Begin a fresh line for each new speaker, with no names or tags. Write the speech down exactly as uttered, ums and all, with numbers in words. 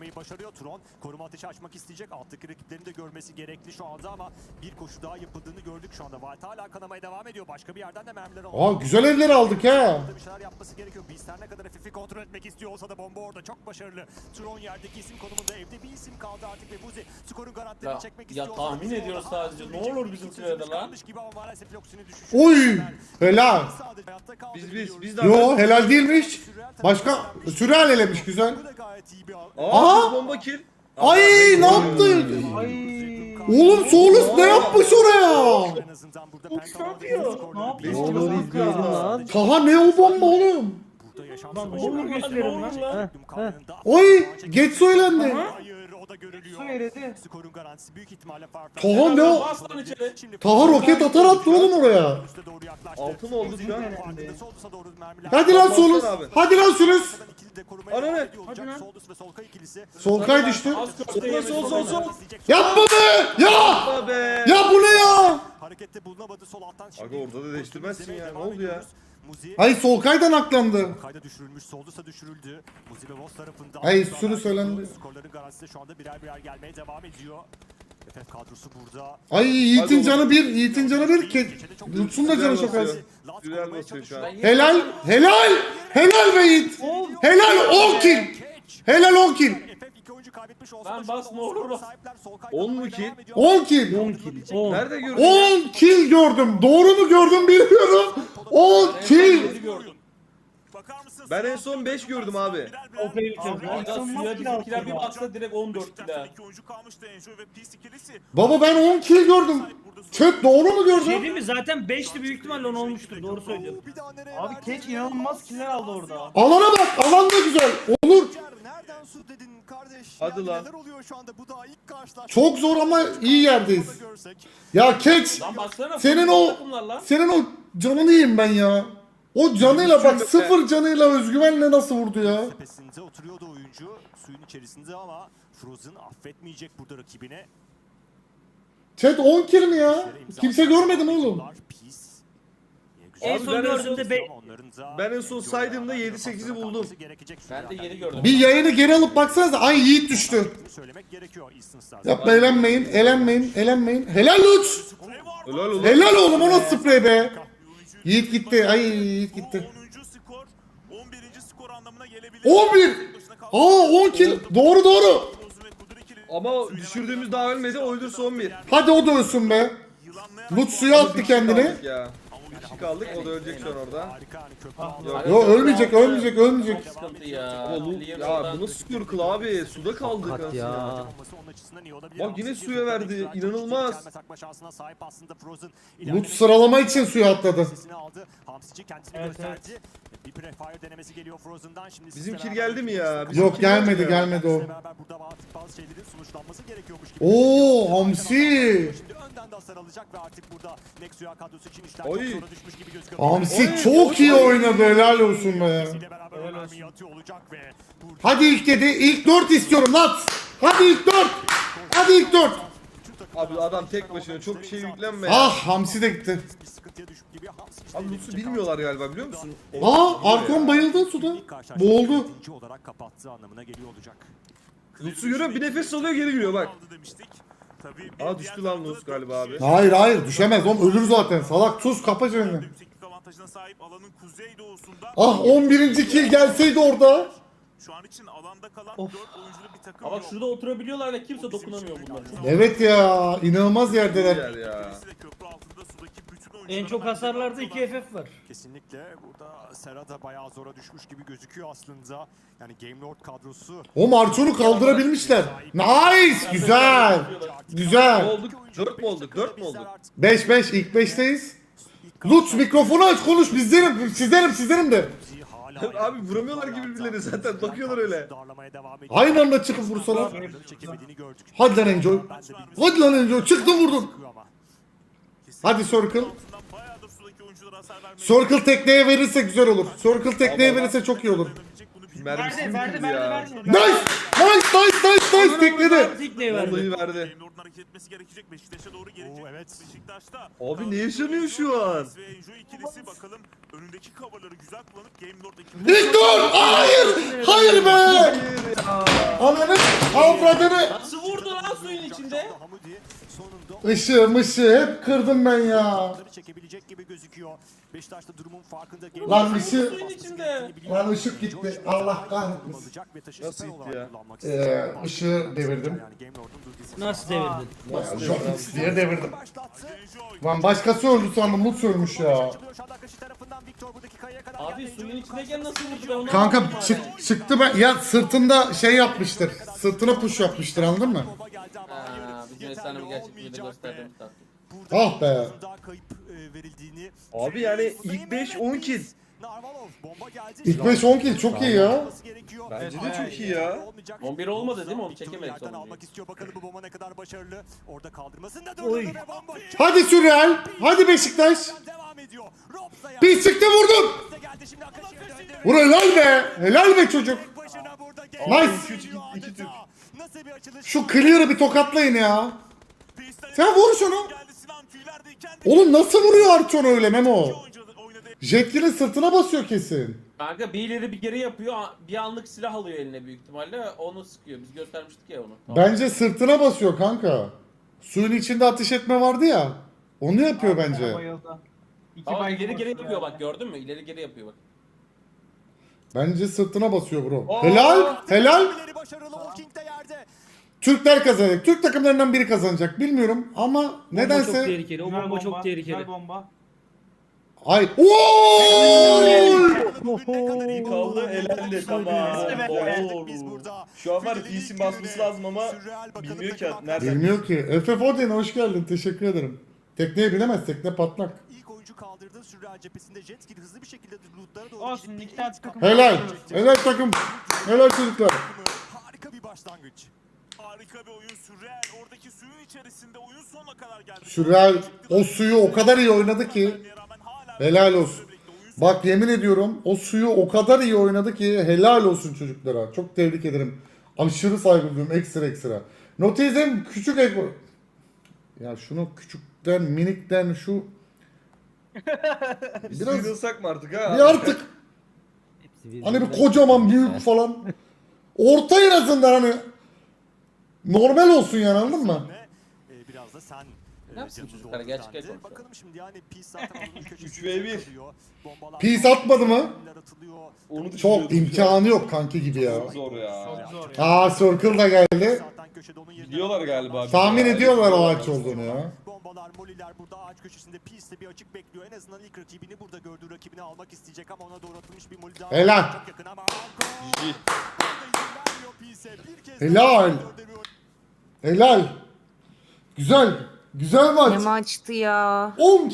düşürmeyi başarıyor. Tron koruma ateşi açmak isteyecek. Alttaki rakiplerini de görmesi gerekli şu anda ama bir koşu daha yapıldığını gördük şu anda. Wild hala kanamaya devam ediyor. Başka bir yerden de mermiler alıyor.
Aa güzel evleri aldık ha.
Bir şeyler yapması gerekiyor. Beast her ne kadar F F'i kontrol etmek istiyor olsa da bomba orada çok başarılı. Tron yerdeki isim konumunda, evde bir isim kaldı artık ve Buzi skorun garantilerini
Ya,
çekmek
ya
istiyor.
tahmin ediyoruz sadece. Ne olur bizim sürede lan.
Oy helal.
Biz biz biz de
Yo helal değilmiş. Başka sürreal elemiş güzel.
Aa,
Aa!
bomba kill.
Ay ne yaptı? Oğlum Solus ne yapmış oraya?
Ne yapıyor? Ne yapıyor?
Ne olur izliyorum lan.
Taha ne o bomba oğlum?
Lan ne olur gösterin lan.
Oy geç söylendi.
Hayır o da görülüyor.
Su eridi.
Skorun garantisi büyük ihtimalle Farfetch.
Taha ne o?
Bas lan içeri.
Taha roket atar attı oğlum oraya.
Altı mı oldu şu an?
Hadi lan Solus. Hadi lan Solus.
Ananı.
Hadi lan.
Solkay düştü.
Az
Sol sol sol sol.
Yapma be! Ya!
Yapma be.
Ya bu ne ya?
Harekette bulunamadı sol alttan.
Aga orada da değiştirmezsin ya. Ne oldu ya?
Muzi
Ay Solkay'dan aklandı.
kayda düşürülmüş, Soldus'a düşürüldü. Muzi ve Voss tarafında.
Ay, sürü söylendi.
Skorların garantisi de şu anda birer birer gelmeye devam ediyor. F F kadrosu burada.
Ay Yiğit'in canı bir, Yiğit'in canı bir. Ke Lutfun da canı çok az.
Güzel basıyor şu an.
Helal, helal, helal be Yiğit. Helal on kill. Helal on kill.
Lan bas, ne olur bas.
on mu kill?
on kill.
on kill. on.
Nerede gördün?
on kill gördüm. Doğru mu gördüm bilmiyorum. on kill.
Ben en son beş gördüm abi.
O tehlikeli.
Aga suya bizimkiler bir baksa direkt on dört kilo.
Baba ben on kill gördüm. Chat doğru mu
Şey
gördüm?
değil mi? Zaten beşti büyük ihtimalle on olmuştur. Doğru söylüyorsun. Abi Keç inanılmaz killer aldı orada.
Alana bak. Alan da güzel. Olur.
Nereden su dedin kardeş?
Hadi
Yani
lan.
Neler oluyor şu anda? Bu da ilk karşılaşma.
Çok zor ama iyi yerdeyiz. Ya Keç.
Lan baksana.
Senin
futbol
o
takımlar lan.
senin o canını yiyeyim ben ya. O canıyla bak sıfır canıyla özgüvenle nasıl vurdu ya?
Tepesinde oturuyordu oyuncu suyun içerisinde ama Frozen affetmeyecek burada rakibine.
Chat on kill mi ya? Kimse görmedi mi oğlum?
En
Abi
son
ben en
gördüğümde be...
Ben en son saydığımda yedi sekizi buldum.
Ben de yedi gördüm.
Bir yayını geri alıp baksanıza. Ay Yiğit düştü. Yapma elenmeyin, elenmeyin, elenmeyin. Helal Luç.
Helal oğlum.
Helal oğlum o nasıl sprey be? Yiğit gitti. Ay Yiğit gitti.
onuncu skor, on birinci skor anlamına gelebilir.
on bir. Aa on kill. Doğru doğru.
Ama düşürdüğümüz daha ölmedi. O öldürse on bir.
Hadi o da ölsün be. Luç suya attı kendini.
Kaldık ya. Bir kişi kaldık. O da ölecek şu an orada. Yok.
Yo ölmeyecek, ölmeyecek, ölmeyecek.
Sıkıntı ya.
Ama Lu- ya bu nasıl Circle abi? Suda kaldık
Kat
aslında.
ya.
Bak yine suya verdi, inanılmaz.
Luç sıralama için suya atladı.
Evet, evet.
Bir prefire denemesi geliyor Frozen'dan. Şimdi
Bizim
sizle
kill
beraber
geldi mi ya? Bizim
Yok
kill
gelmedi,
geldi mi ya?
gelmedi o.
Sizle beraber burada bazı- bazı şeylerin sonuçlanması gerekiyormuş gibi.
Oo Hamsi.
Şimdi önden de hasar alacak ve artık burada Nexia kadrosu için işler
Oy.
çok zora düşmüş gibi gözüküyor.
Hamsi
Oy,
çok iyi
oy.
oynadı. Helal olsun be.
Sizle beraber o mermiyi atıyor olacak ve burada
Hadi ilk dedi. İlk dört istiyorum lan. Hadi ilk dört. Hadi ilk dört.
Abi adam tek başına çok bir şey yüklenme ya.
Ah Hamsi de gitti.
bir sıkıntıya düşüp gibi Hamsi işte
Abi Lutz'u bilmiyorlar galiba biliyor musun?
Aa Arkon bayıldı suda.
ilk karşılaşmayı
Boğuldu.
yönetimci olarak kapattığı anlamına geliyor olacak.
Lutz'u görüyor bir nefes alıyor geri giriyor bak.
Aldı demiştik. Tabii bir
Aa
diğer
düştü lan
tarafta
Lutz
dört
galiba abi.
kişi
Hayır hayır düşemez oğlum ölür zaten. Salak sus kapa çeneni.
Yükseklik avantajına sahip alanın kuzeydoğusunda.
Ah on birinci kill gelseydi orada.
Şu an için alanda kalan
Of.
dört oyunculu bir takım
Ama
yok.
şurada oturabiliyorlar ve kimse dokunamıyor bunlara.
Evet ya inanılmaz yerdeler.
Yer ya.
Birisi de köprü altında sudaki bütün
En
oyunculara
çok
mermi
hasarlarda iki
atıyorlar.
F F var.
Kesinlikle burada Sera da bayağı zora düşmüş gibi gözüküyor aslında. Yani Game Lord kadrosu.
O Marçon'u kaldırabilmişler. Nice güzel.
Ne
Güzel.
olduk? dört mü olduk? dört mü olduk?
beş beş ilk beşteyiz. Lutz mikrofonu aç konuş bizlerim sizlerim sizlerim de.
Abi vuramıyorlar gibi birbirlerine zaten, bakıyorlar öyle.
Aynı anda çıkıp vursalar.
Çekemediğini gördük.
Hadi lan Enjoy. Hadi lan Enjoy çıktı vurdun.
Ama
Hadi Circle.
Altından bayağıdır sudaki oyunculara hasar vermeye
Circle tekneye verirse güzel olur. Circle tekneye verirse çok iyi olur.
dayanabilecek bunu bilmiyorum.
Mermisi
Verdi,
mi
verdi,
girdi
verdi,
ya?
verdi.
Nice! Nice nice nice nice tekledi.
Tekneyi verdi.
Vallahi verdi.
Game Lord'un hareket etmesi gerekecek. Beşiktaş'a doğru gelecek.
Oo, evet.
Beşiktaş'ta.
Abi ne yaşanıyor şu an?
Ve Enjo ikilisi bakalım önündeki coverları güzel kullanıp Game Lord ekibi.
Victor! Hayır! Hayır be! Ananı avradını!
Nasıl vurdu lan suyun içinde?
Hamudi sonunda
Işığı mışığı hep kırdım ben ya.
çekebilecek gibi gözüküyor. Beşiktaş'ta durumun farkında.
Lan bir şey-
Suyun içinde.
Lan ışık gitti. Allah kahretmesin.
Nasıl gitti ya?
Ee, ışığı devirdim.
Nasıl devirdin?
Bayağı Jokes diye devirdim.
Enjo
Lan başkası öldü sandım. Mut ölmüş ya.
Abi suyun içindeyken nasıl vurdu ben onu
Kanka
anlamadım
çık,
hala.
çıktı ben. Ya sırtında şey yapmıştır. Sırtına push yapmıştır anladın mı?
Ha, bizim efsane gerçek bir de gösterdim.
Ah be.
Kayıp e, verildiğini
Abi yani ilk beş on kill.
Narvalov bomba geldi.
İlk beş on kill çok iyi ya.
Bence de çok iyi ya.
on bir olmadı değil mi? Onu çekemedik
Yerden
sonunda.
almak istiyor bakalım bu bomba ne kadar başarılı. Orada kaldırmasında
Oy.
durdurdu ve bomba
Hadi Sürreal. Hadi Beşiktaş.
devam ediyor. Robsa'ya
Bir çıktı vurdum.
geldi şimdi Akashi'ye döndü.
Vur helal be. Helal be çocuk.
Tek başına burada
Nice.
geliyor
İki- iki Türk.
adeta. Nasıl bir açılış?
Şu clear'ı bir tokatlayın ya. Sen vur şunu.
geldi Sinan tüylerdeyken de
Oğlum nasıl vuruyor Arçon öyle Memo?
oyuncu oynadı.
Jetgil'in sırtına basıyor kesin.
Kanka bir ileri bir geri yapıyor. Bir anlık silah alıyor eline büyük ihtimalle. Onu sıkıyor. Biz göstermiştik ya onu. Tamam.
Bence sırtına basıyor kanka. Suyun içinde ateş etme vardı ya. Onu yapıyor bence.
Bayıldı. İki
Ama
baygın
ileri geri
var
yapıyor
ya.
bak gördün mü? İleri geri yapıyor bak.
Bence sırtına basıyor bro.
Oo.
Helal. Helal.
İleri başarılı. Walking de yerde.
Türkler kazanacak. Türk takımlarından biri kazanacak. Bilmiyorum ama
Bomba çok
nedense.
tehlikeli. O
Güzel
bomba çok
Güzel
tehlikeli.
bomba.
Ay. Ooo!
İyi kaldı, elendi, tamam. Oo.
Biz burada.
Şu an var P C basması lazım ama bilmiyor ki nereden.
Bilmiyor ki. Efe Foden hoş geldin. Teşekkür ederim. Tekneye binemez. Tekne patlak.
İlk oyuncu kaldırdı. Sürreal cephesinde jet ski hızlı bir şekilde lootlara doğru
Olsun,
gidip
iki tane takım-
Helal. Helal takım. Helal çocuklar.
harika bir başlangıç.
Harika bir oyun sürreal. Oradaki suyun içerisinde oyun sonuna kadar geldi.
Sürreal o suyu o kadar iyi oynadı ki.
Rağmen hala
Helal olsun. Bak yemin ediyorum o suyu o kadar iyi oynadı ki helal olsun çocuklara. Çok tebrik ederim. Aşırı saygı duyuyorum ekstra ekstra. Notizm küçük ego. Ya şunu küçükten minikten şu
Biz
Biraz-
sıyrılsak mı artık ha?
bir artık hani bir kocaman büyük falan. Orta en azından hani normal olsun yani anladın mı?
Ve e, biraz da sen
Ne yapsın çocuklar? Gerçek el konuşuyor.
Bakalım şimdi yani Peace zaten onun köşesinde
üç ve bir.
kalıyor. Bombalar
Peace atmadı mı?
atılıyor.
Onu
Çok
düşünüyordum.
imkanı yok kanki gibi ya.
Çok zor ya.
Çok zor ya.
Aa Circle da geldi.
Zaten köşede onun yerine-
Biliyorlar galiba.
Tahmin ediyorlar o ağaç olduğunu ya.
Bombalar, moliler burada ağaç köşesinde Peace'de bir açık bekliyor. En azından ilk rakibini burada gördüğü rakibini almak isteyecek ama ona doğru atılmış bir moli daha.
Helal.
Çok yakın ama Arko.
İyi.
Vermiyor Peace'e. Bir kez
Helal.
daha
Helal. Güzel. Güzel
Ne
maç.
maçtı ya.
on